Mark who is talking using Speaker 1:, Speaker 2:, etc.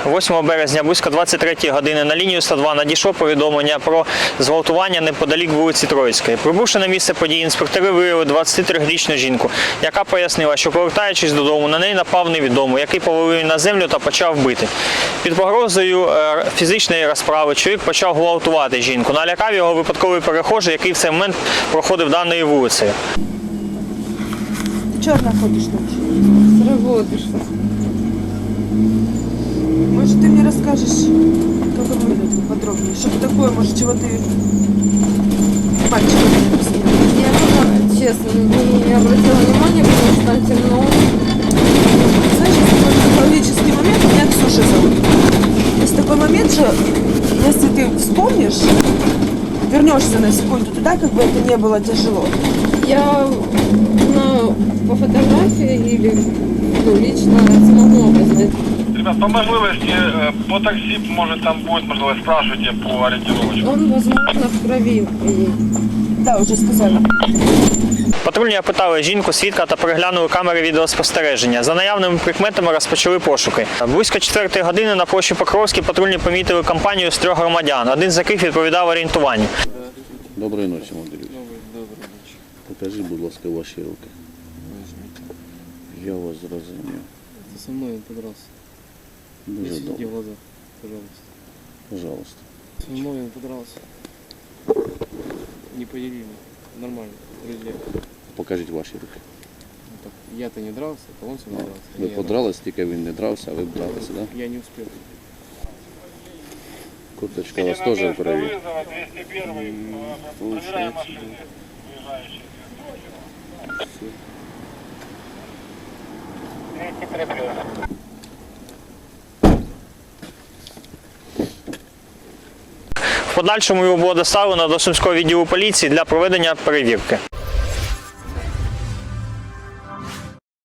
Speaker 1: 8 березня близько 23 години на лінію 102 надійшло повідомлення про зґвалтування неподалік вулиці Троїцької. Прибувши на місце події, інспектори виявили 23-річну жінку, яка пояснила, що повертаючись додому, на неї напав невідомий, який повалив її на землю та почав бити. Під погрозою фізичної розправи чоловік почав гвалтувати жінку. Налякав його випадковий перехожий, який в цей момент проходив даною вулицею.
Speaker 2: Чего находишь ночью?
Speaker 3: С работы что?
Speaker 2: Может, ты мне расскажешь, как он выглядит подробнее? Что такое, может, чего ты мальчика не объяснила?
Speaker 3: Я пока, честно, не обратила внимания, потому что там темно.
Speaker 2: Знаешь, есть такой психологический момент, меня Ксюша зовут. Есть такой момент, что если ты вспомнишь, вернешься на секунду туда, как бы это не было тяжело.
Speaker 3: Я по фотографии или лично смогу опознать.
Speaker 4: Ребят, по можливості, по таксі, може там буде можливість, спрашивайте по орієнтировочку.
Speaker 3: Он, возможно, в крови приедет.
Speaker 2: Да, уже сказала.
Speaker 1: Патрульні опитали жінку, свідка та переглянули камери відеоспостереження. За наявними прикметами розпочали пошуки. Близько 4 години на площі Покровській патрульні помітили компанію з 3 громадян, один з яких відповідав орієнтуванню.
Speaker 5: Доброї ночі, Андрій. Покажіть, будь ласка, ваші руки. Я вас зрозумів.
Speaker 6: Ты со мной подрался.
Speaker 5: Дуже
Speaker 6: Не свети
Speaker 5: добре.
Speaker 6: в глаза, пожалуйста.
Speaker 5: Пожалуйста.
Speaker 6: Со мной он подрался. Не поделили. Нормально, друзья.
Speaker 5: Покажіть ваші руки.
Speaker 6: Ну, так, я-то не дрался, а он со мной дрался.
Speaker 5: Ви
Speaker 6: Не я
Speaker 5: подрались, тільки він не дрався, а ви б дралися, так?
Speaker 6: дрался. Я не успел.
Speaker 5: Курточка у вас теж в крові.
Speaker 4: 201, проверяем машины, ближайшие.
Speaker 1: В подальшому його було доставлено до Сумського відділу поліції для проведення перевірки.